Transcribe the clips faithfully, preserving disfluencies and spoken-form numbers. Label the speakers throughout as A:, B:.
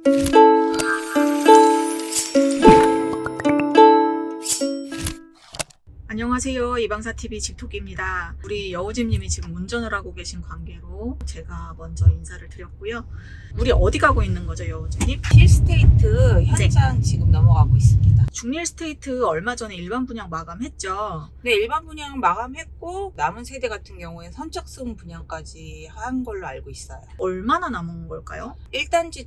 A: 안녕하세요. 이방사티비 집토끼입니다. 우리 여우집님이 지금 운전을 하고 계신 관계로 제가 먼저 인사를 드렸고요. 우리 어디 가고 있는 거죠, 여우집님?
B: 힐스테이트 현장 네. 지금 넘어가고 있습니다.
A: 중일스테이트 얼마 전에 일반 분양 마감했죠?
B: 네, 일반 분양 마감했고 남은 세대 같은 경우에 선착순 분양까지 한 걸로 알고 있어요.
A: 얼마나 남은 걸까요?
B: 일 단지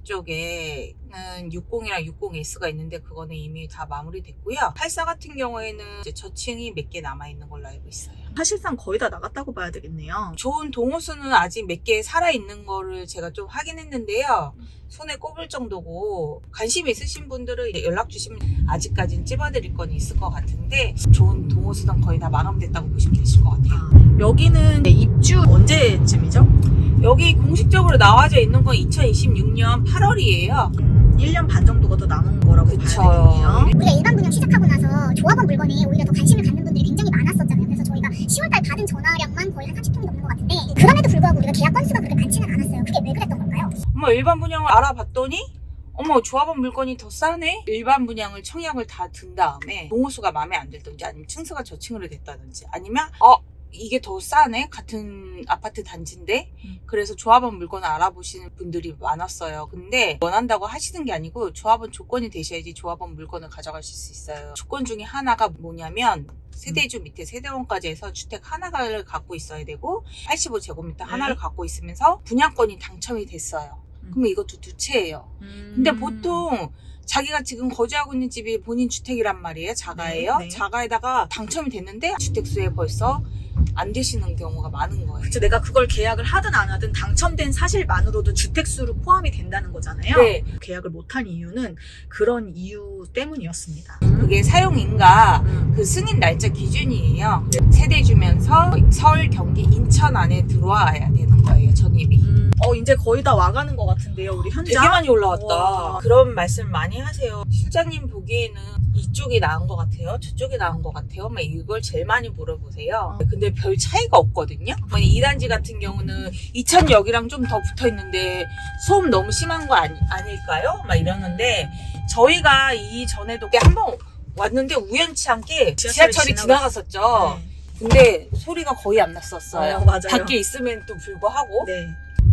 B: 쪽에는 육십이랑 육십 에스가 있는데 그거는 이미 다 마무리됐고요. 팔십사 같은 경우에는 이제 저층이 몇 개 남아있는 걸로 알고 있어요.
A: 사실상 거의 다 나갔다고 봐야 되겠네요.
B: 좋은 동호수는 아직 몇 개 살아있는 거를 제가 좀 확인했는데요. 손에 꼽을 정도고 관심 있으신 분들은 연락 주시면 아직까지는 찝어드릴 건 있을 것 같은데 좋은 동호수는 거의 다 마감됐다고 보시면 되실 것 같아요.
A: 아, 여기는 입주 언제쯤이죠?
B: 여기 공식적으로 나와져 있는 건 이천이십육 년 팔월이에요.
A: 음, 일 년 반 정도가 더 남은 거라고
B: 그쵸.
A: 봐야 되겠네요.
C: 우리가 일반 분양 시작하고 나서 조합원 물건에 오히려 더 관심을 갖는 분들이 굉장히 많았었잖아요. 그래서 저희가 시월달 받은 전화량만 거의 한 삼십 통이 넘는 것 같은데 그럼에도 불구하고 우리가 계약 건수가 그렇게 많지는 않았어요. 그게 왜 그랬던 걸까요?
B: 어머, 일반 분양을 알아봤더니 어머, 조합원 물건이 더 싸네? 일반 분양을 청약을 다 든 다음에 동호수가 마음에 안 들든지 아니면 층수가 저층으로 됐다든지 아니면 어 이게 더 싸네? 같은 아파트 단지인데?
A: 음.
B: 그래서 조합원 물건을 알아보시는 분들이 많았어요. 근데 원한다고 하시는 게 아니고 조합원 조건이 되셔야지 조합원 물건을 가져가실 수 있어요. 조건 중에 하나가 뭐냐면 세대주 밑에 세대원까지 해서 주택 하나를 갖고 있어야 되고 팔십오 제곱미터
A: 네.
B: 하나를 갖고 있으면서 분양권이 당첨이 됐어요.
A: 음.
B: 그러면 이것도 두 채예요.
A: 음.
B: 근데 보통 자기가 지금 거주하고 있는 집이 본인 주택이란 말이에요. 자가예요.
A: 네, 네.
B: 자가에다가 당첨이 됐는데 주택수에 벌써 안 되시는 경우가 많은 거예요.
A: 그쵸, 내가 그걸 계약을 하든 안 하든 당첨된 사실만으로도 주택수로 포함이 된다는 거잖아요.
B: 네.
A: 계약을 못한 이유는 그런 이유 때문이었습니다.
B: 그게 사용인가
A: 음.
B: 그 승인 날짜 기준이에요. 세대 주면서 서울, 경기, 인천 안에 들어와야 되는 거예요. 전입이.
A: 음, 어 이제 거의 다 와가는 것 같은데요, 우리 현장.
B: 되게 많이 올라왔다.
A: 와.
B: 그런 말씀 많이 하세요. 실장님 보기에는 이쪽이 나은 것 같아요. 저쪽이 나은 것 같아요. 막 이걸 제일 많이 물어보세요.
A: 어.
B: 근데 별 차이가 없거든요. 이 단지 같은 경우는 이천역이랑 좀 더 붙어 있는데 소음 너무 심한 거 아니, 아닐까요? 막 이러는데 저희가 이 전에도 한번 왔는데 우연치 않게
A: 지하철이
B: 지하철이
A: 지나갔...
B: 지나갔었죠.
A: 네.
B: 근데 소리가 거의 안 났었어요.
A: 어, 맞아요.
B: 밖에 있으면 또 불구하고.
A: 네.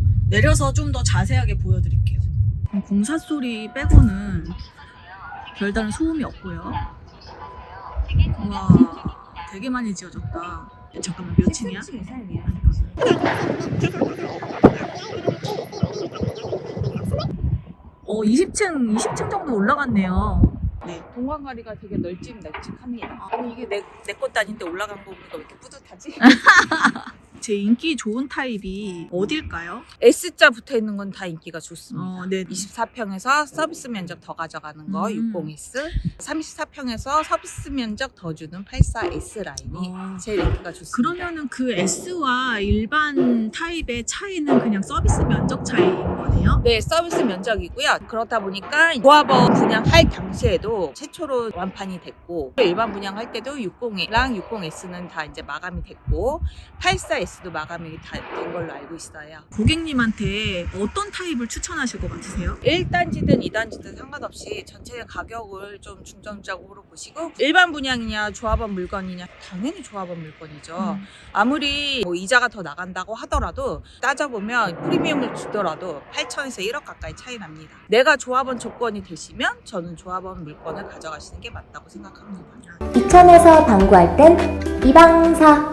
A: 내려서 좀 더 자세하게 보여드릴게요. 공사 소리 빼고는 별다른 소음이 없고요. 우와, 되게 많이 지어졌다. 잠깐만, 몇 층이야? 어, 이십 층, 이십 층 정도 올라갔네요. 네.
B: 동광가리가 되게 널찍널찍합니다. 아니 이게 내 내 것도 아닌데 올라간 거 보니까 왜 이렇게 뿌듯하지?
A: 제 인기 좋은 타입이 어딜까요?
B: S자 붙어 있는 건 다 인기가 좋습니다.
A: 어, 네.
B: 이십사 평에서 서비스 면적 더 가져가는 거
A: 음.
B: 육십 에스, 삼십사 평에서 서비스 면적 더 주는 팔십사 에스 라인이
A: 어.
B: 제일 인기가 좋습니다.
A: 그러면은 그 S와 일반 타입의 차이는 그냥 서비스 면적 차이인 거네요?
B: 네, 서비스 면적이고요. 그렇다 보니까 조합원 분양할 당시에도 최초로 완판이 됐고 일반 분양할 때도 육십이랑 육십 에스는 다 이제 마감이 됐고 팔십사 에스도 마감이 다 된 걸로 알고 있어요.
A: 고객님한테 어떤 타입을 추천하실 것 같으세요?
B: 일 단지든 이 단지든 상관없이 전체 가격을 좀 중점적으로 보시고 일반 분양이냐 조합원 물건이냐 당연히 조합원 물건이죠.
A: 음.
B: 아무리 뭐 이자가 더 나간다고 하더라도 따져보면 프리미엄을 주더라도 팔천에서 일억 가까이 차이 납니다. 내가 조합원 조건이 되시면 저는 조합원 물건을 가져가시는 게 맞다고 생각합니다.
D: 이천에서 방구할 땐 이방사